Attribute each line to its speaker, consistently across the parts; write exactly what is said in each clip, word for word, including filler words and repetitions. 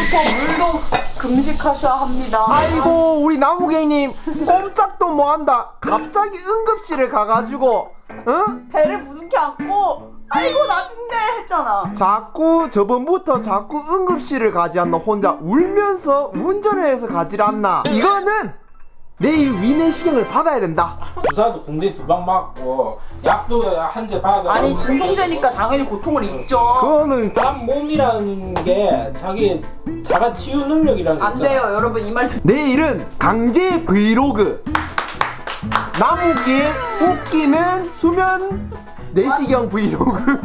Speaker 1: 물도 금식하셔야 합니다.
Speaker 2: 아이고 우리 나무갱님 꼼짝도 못한다. 갑자기 응급실을 가가지고 응?
Speaker 1: 배를 부둥켜 안고 아이고 나 죽네 했잖아.
Speaker 2: 자꾸 저번부터 자꾸 응급실을 가지 않나. 혼자 울면서 운전을 해서 가지 않나. 이거는 내일 위내시경을 받아야 된다.
Speaker 3: 주사도 군대 두 방 맞고 약도 한 제 받아.
Speaker 1: 아니 진통제니까 당연히 고통을 잊죠.
Speaker 2: 그거는
Speaker 3: 남 몸이라는 게 자기 자가 치유 능력이라는 게
Speaker 1: 안
Speaker 3: 있잖아.
Speaker 1: 돼요 여러분 이 말 듣.
Speaker 2: 내일은 강제 브이로그. 나무기 웃기는 수면 내시경 브이로그.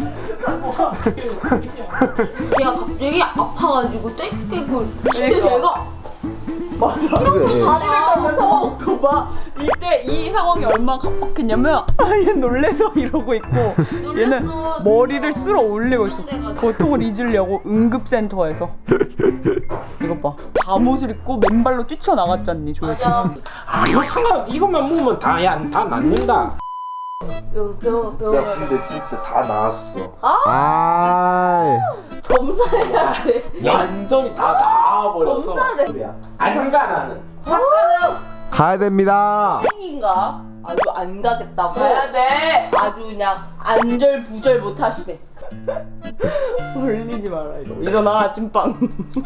Speaker 4: 걔가 갑자기 아파가지고 떼끼고 근데
Speaker 1: 그러니까.
Speaker 4: 걔가
Speaker 1: 맞아.
Speaker 2: 그래.
Speaker 1: 다리를 떨면서 그봐 이때 이 상황이 얼마나 갑박했냐면 얘는 놀래서 이러고 있고 얘는
Speaker 4: 놀랬어.
Speaker 1: 머리를 쓸어 올리고 있어.
Speaker 4: 그래가지고.
Speaker 1: 고통을 잊으려고 응급센터에서. 이것 봐 잠옷을 입고 맨발로 뛰쳐나갔잖니 조회수.
Speaker 4: 맞아.
Speaker 3: 아 이거 상관 이것만 먹으면 다야다 낫는다.
Speaker 4: 뼈, 뼈,
Speaker 3: 야
Speaker 4: 뼈.
Speaker 3: 근데 진짜 다 나았어.
Speaker 2: 아,
Speaker 4: 검사해야 돼.
Speaker 3: 완전히 다 나아버려서.
Speaker 4: 검사를.
Speaker 3: 그래야. 안 가 나는.
Speaker 2: 가야 됩니다.
Speaker 4: 생인가? 아주 안 가겠다고.
Speaker 1: 가야 돼.
Speaker 4: 아주 그냥 안절부절 못 하시네.
Speaker 1: 올리지 마라 이거. 일어나 찐빵.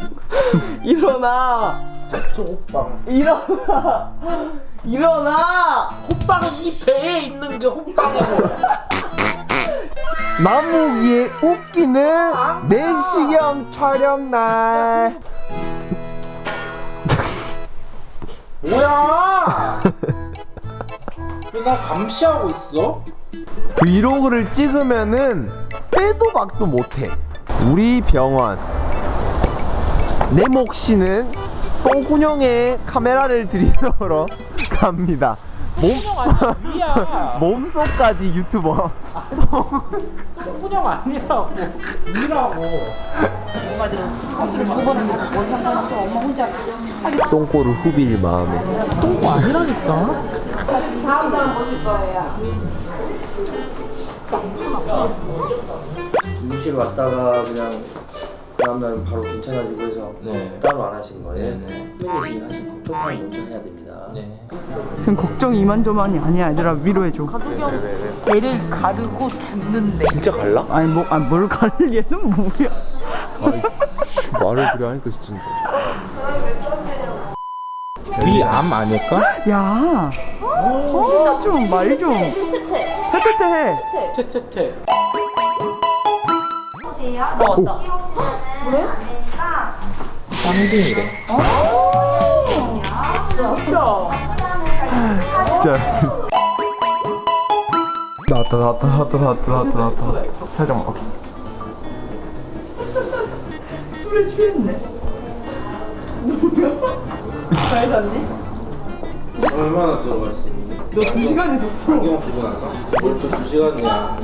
Speaker 1: 일어나.
Speaker 3: 저 호빵.
Speaker 1: 일어나. 일어나.
Speaker 3: 호빵은 이 배에 있는 게 호빵이고.
Speaker 2: 나무기의 웃기는 내시경 촬영 날.
Speaker 3: 뭐야? 왜 나 감시하고 있어?
Speaker 2: 브이로그를 찍으면은 빼도 박도 못해. 우리 병원 내 몫이는 똥구녕에 카메라를 들이놓으러 갑니다. 몸
Speaker 3: 위야.
Speaker 2: 몸속까지 유튜버.
Speaker 3: 똥구녕 아니라고. 위라고.
Speaker 2: 똥꼬를 후빌 마음에.
Speaker 4: 다음 달 보실 거예요.
Speaker 5: 응급실 왔다가 그냥 다음날 바로 괜찮아지고 해서
Speaker 3: 네.
Speaker 5: 따로 안 하신 거예요?
Speaker 3: 네네.
Speaker 5: 플래시 하신 거 초판 먼저 해야 됩니다.
Speaker 3: 네.
Speaker 1: 그냥 걱정 이만저만이 아니야 얘들아 위로해줘.
Speaker 4: 배를 가르고 죽는데.
Speaker 5: 진짜 갈라?
Speaker 1: 아니 뭐, 아니 뭘 가를 얘는 뭐야.
Speaker 2: 말을 그래 하니까 진짜.
Speaker 3: 위암 아닐까?
Speaker 1: 야. 어, 좀 말 좀.
Speaker 4: 테테테.
Speaker 1: 테테테 해.
Speaker 3: 테테테.
Speaker 6: 보세요.
Speaker 1: 어, 왔다.
Speaker 6: 여기 오시면은 안 되니까
Speaker 3: 쌍둥이래.
Speaker 1: 진짜.
Speaker 2: 진짜. 나왔다 나왔다 나왔다 나왔다 나왔다 나왔다. 살짝만.
Speaker 1: 술에 취했네. 잘 잤니?
Speaker 3: 얼마나 들어갔어?
Speaker 1: 너 두 시간 있었어.
Speaker 3: 안경 주고 나서 벌써 두 시간이야.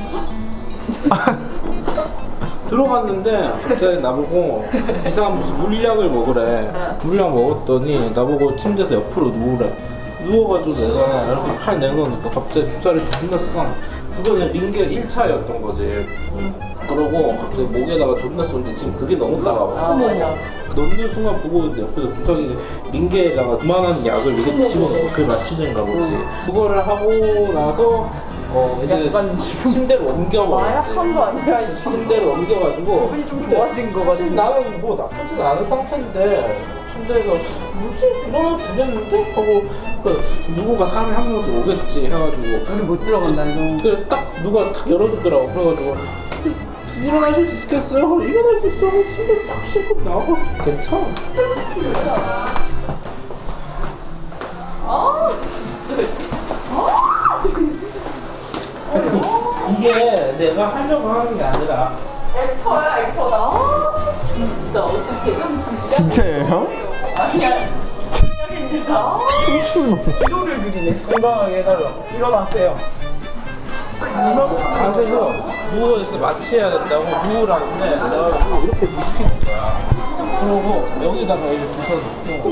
Speaker 3: 들어갔는데 갑자기 나보고 이상한 무슨 물약을 먹으래. 물약 먹었더니 나보고 침대에서 옆으로 누우래. 누워가지고 내가 이렇게 팔 내놓으니까 갑자기 주사를 존나 쏴. 그거는 링게 일 차였던 거지. 그러고 갑자기 목에다가 존나 쏘는데 지금 그게 너무 따가워. 넣는 순간 보고 이제 옆에서 주석이 링게에다가 그만한 약을 이렇게 집어넣고 그게 마취제인가 보지. 그거를 하고 나서 어 이제 침대로 옮겨버렸지.
Speaker 1: 마약한 거 아니야 이제.
Speaker 3: 침대로 옮겨가지고
Speaker 1: 기분이 좀 좋아진 거 같은데.
Speaker 3: 나는 뭐 나쁘진 않은 상태인데 침대에서 뭐지? 일어나도 되겠는데? 하고 그 누군가 사람이 한 명쯤 오겠지 해가지고
Speaker 1: 우리 못 들어간다 이거.
Speaker 3: 그래서 딱 누가 탁 열어주더라고. 그래가지고 일어나실 수 있겠어요? 그래서 일어날 수 있어. 침대 탁 싣고 나오고 괜찮아. 이게 내가 하려고 하는 게 아니라
Speaker 1: 액터야 액터다.
Speaker 4: 진짜 어떻게.
Speaker 2: 진짜예요?
Speaker 1: 아니야. 진짜입니다.
Speaker 2: 춤추노.
Speaker 1: 위로를 드리네. 건강하게 해달라고. 일어나세요.
Speaker 3: 가서 누워있어 마취해야 된다고 누우라는데 내가 이렇게 눕히는 거야. 그러고 여기다가 이제 주사 넣고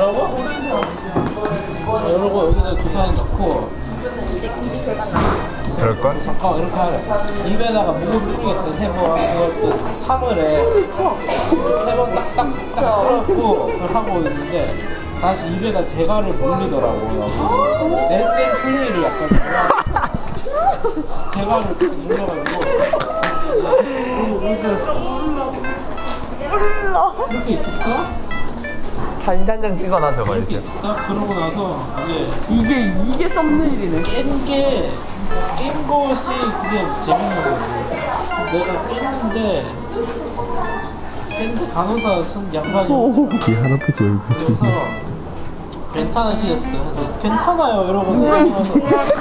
Speaker 3: 뭐라고? 이러고 여기다 주사 넣고
Speaker 7: 그럴걸?
Speaker 3: 잠깐 이렇게 하래. 입에다가 물을 뿌리겠다 세 번. 그걸 또 사물에 세 번 딱딱딱 풀었고 그걸 하고 있는데 다시 입에다 대가를 돌리더라고요. 에스엠 플레이를 약간 좋아하고 대가를 딱 눌러가지고 이렇게 이렇게 있을까?
Speaker 7: 사진 한 장 찍어놔 저거
Speaker 3: 이렇게
Speaker 7: 있어.
Speaker 3: 있을까? 그러고 나서 이제
Speaker 1: 이게 이게 썸네일이네.
Speaker 3: 깬 게, 깬 것이 그게 재밌는 거지. 내가 깼는데, 깼는데 간호사 son 양반이
Speaker 7: 뒤 할아버지 얼굴.
Speaker 3: 그래서 괜찮으시겠어? 그래서 괜찮아요 이러고 내려가서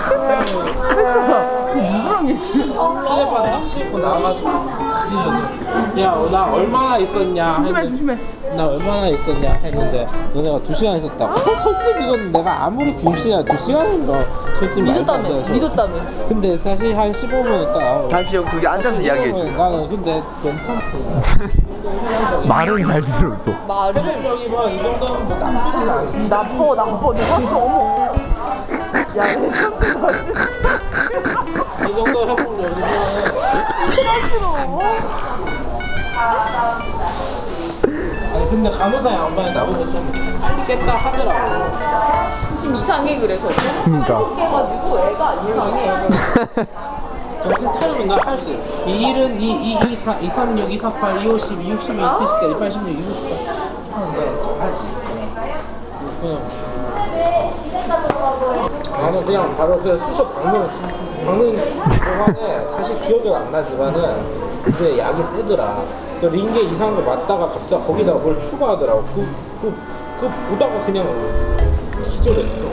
Speaker 1: 누구랑 얘기해?
Speaker 3: 쓰레빠 딱 씻고 나와가지고 탁 이러면서 야 나 얼마나 있었냐
Speaker 1: 조심해
Speaker 3: 했는데
Speaker 1: 조심해.
Speaker 3: 나 얼마나 있었냐 했는데 너네가 두 시간 있었다고? 어, 솔직히 이건 내가 아무리 비웃이야 두 시간인 거 솔직히 말도 안
Speaker 4: 믿었다며
Speaker 3: 돼서.
Speaker 4: 믿었다며
Speaker 3: 근데 사실 한 십오 분 있다 나오고
Speaker 2: 다시 형 저기 앉아서 이야기해줘.
Speaker 3: 나는 근데 괜찮지.
Speaker 7: 말은 잘 들어도.
Speaker 4: 말을
Speaker 3: 회복적이면 이 정도는 뭐 나쁘진 않지.
Speaker 1: 나빠 나빠 내가 어머. 야내 상태 나 진짜
Speaker 3: 이 정도 회복력이면
Speaker 1: 싫어.
Speaker 3: 아니 근데 간호사 양반이 나보고 좀 빨리 깼다 하더라고.
Speaker 4: 좀 이상해 그래서
Speaker 7: 그러니까.
Speaker 4: 깨가지고 애가 이상해
Speaker 3: 정신 차리면 나 할 수 있어. 이일은 이, 이, 이, 사, 이, 삼육, 이, 사팔, 이, 오십, 이, 육십이, 이, 칠십대, 이, 팔십육, 이, 오십팔 하는데 하지. 그냥 나는 그냥 바로 그냥 수셔 박는 박는 동안에 사실 기억이 안 나지만은 그게 약이 세더라. 그 링게 이상한 거 맞다가 갑자기 거기다 뭘 추가하더라고. 그, 그, 그 보다가 그냥 기절했어.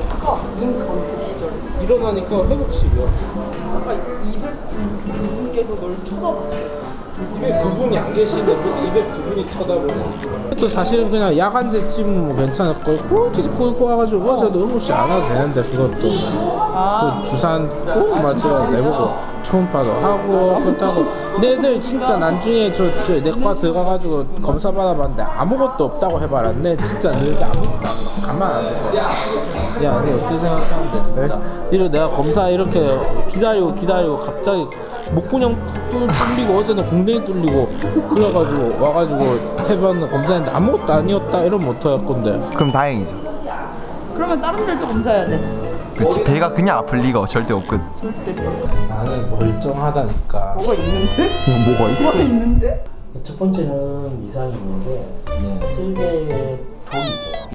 Speaker 3: 일어나니까 회복식이야.
Speaker 1: 아까 이백 두 분께서 널 쳐다봤어.
Speaker 3: 이백 두 분이 안 계시는데 무슨 이백 두 분이 쳐다보네. 또 사실은 그냥 야간제 찜 뭐 괜찮을 걸 꼴찌 꼴고 와가지고 어제도 응급실 안 와도 되는데 그것도
Speaker 1: 아.
Speaker 3: 그 주산 꼭 맞으라 내보고 초음파도 하고 그렇다고 내들 진짜 나중에 저, 저 내과 들어가가지고 검사 받아봤는데 아무것도 없다고 해봐라. 내 진짜 너희들 아무것도 안 가만 안 될 거야. 야, 너 어떻게 생각하는데 진짜 이래 내가 검사 이렇게 기다리고 기다리고 갑자기 목구멍 뚫- 뚫리고 어제는 궁뎅이 뚫리고 그래가지고 와가지고 태반 검사했는데 아무것도 아니었다 이러면 어떡할 건데.
Speaker 7: 그럼 다행이죠.
Speaker 1: 그러면 다른 데도 검사해야 돼.
Speaker 7: 그렇지 배가 그냥 아플 리가 절대 없거든.
Speaker 3: 나는 멀쩡하다니까.
Speaker 1: 뭐가 있는데?
Speaker 7: 그냥 뭐가 있어?
Speaker 1: 뭐가 있는데?
Speaker 8: 첫 번째는 이상이 있는데 쓸개에 돌이 있어요.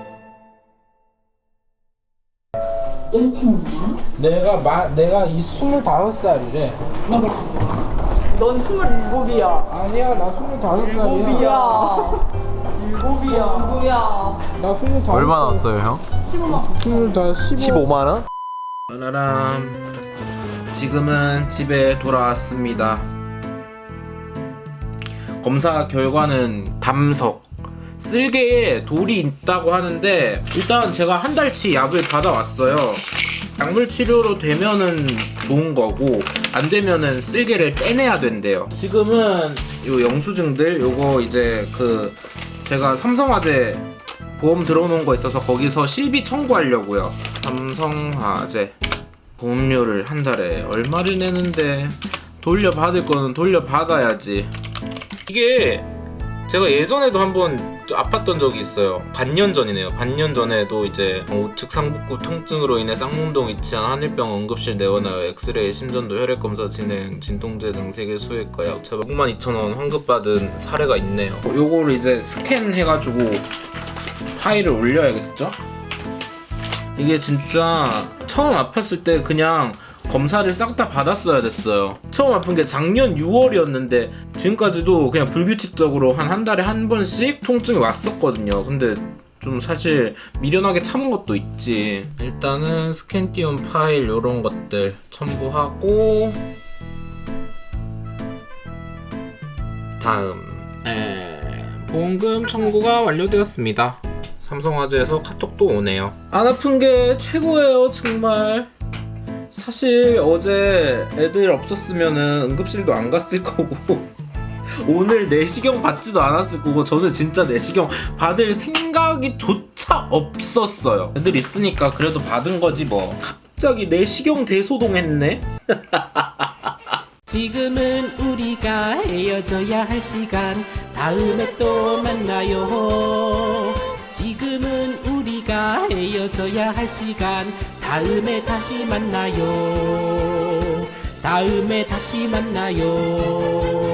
Speaker 4: 일 층이요?
Speaker 3: 내가 마, 내가 이 스물다섯 살이래.
Speaker 1: 넌 스물일곱이야.
Speaker 3: 아니야 나 스물다섯 살이야.
Speaker 1: 일곱이야. 일곱이야.
Speaker 4: 누구야
Speaker 3: 나 스물다섯.
Speaker 7: 얼마 나왔어요 형?
Speaker 3: 스물다섯 십오.
Speaker 7: 십오만 원?
Speaker 9: 라람 지금은 집에 돌아왔습니다. 검사 결과는 담석 쓸개에 돌이 있다고 하는데 일단 제가 한 달치 약을 받아왔어요. 약물 치료로 되면은 좋은 거고 안 되면은 쓸개를 떼내야 된대요. 지금은 요 영수증들 요거 이제 그 제가 삼성화재 보험 들어놓은 거 있어서 거기서 실비 청구하려고요. 삼성화재 보험료를 한 달에 얼마를 내는데 돌려받을 거는 돌려받아야지. 이게 제가 예전에도 한번 아팠던 적이 있어요. 반년 전이네요. 반년 전에도 이제 우측 상복부 통증으로 인해 쌍문동 위치한 한일병 응급실 내원하여 엑스레이, 심전도, 혈액검사 진행, 진통제 등 세 개 수액과 약차 육만 이천 원 환급받은 사례가 있네요. 요거를 이제 스캔해가지고 파일을 올려야겠죠? 이게 진짜 처음 아팠을 때 그냥 검사를 싹 다 받았어야 됐어요. 처음 아픈 게 작년 유월이었는데 지금까지도 그냥 불규칙적으로 한 한 달에 한 번씩 통증이 왔었거든요. 근데 좀 사실 미련하게 참은 것도 있지. 일단은 스캔 띄운 파일 요런 것들 첨부하고 다음 에... 보험금 청구가 완료되었습니다. 삼성화재에서 카톡도 오네요. 안 아픈 게 최고예요 정말. 사실 어제 애들 없었으면은 응급실도 안 갔을 거고 오늘 내시경 받지도 않았을 거고 저는 진짜 내시경 받을 생각이 조차 없었어요. 애들 있으니까 그래도 받은 거지 뭐. 갑자기 내시경 대소동했네. 지금은 우리가 헤어져야 할 시간. 다음에 또 만나요. 지금은 우리가 헤어져야 할 시간. 다음에 다시 만나요. 다음에 다시 만나요.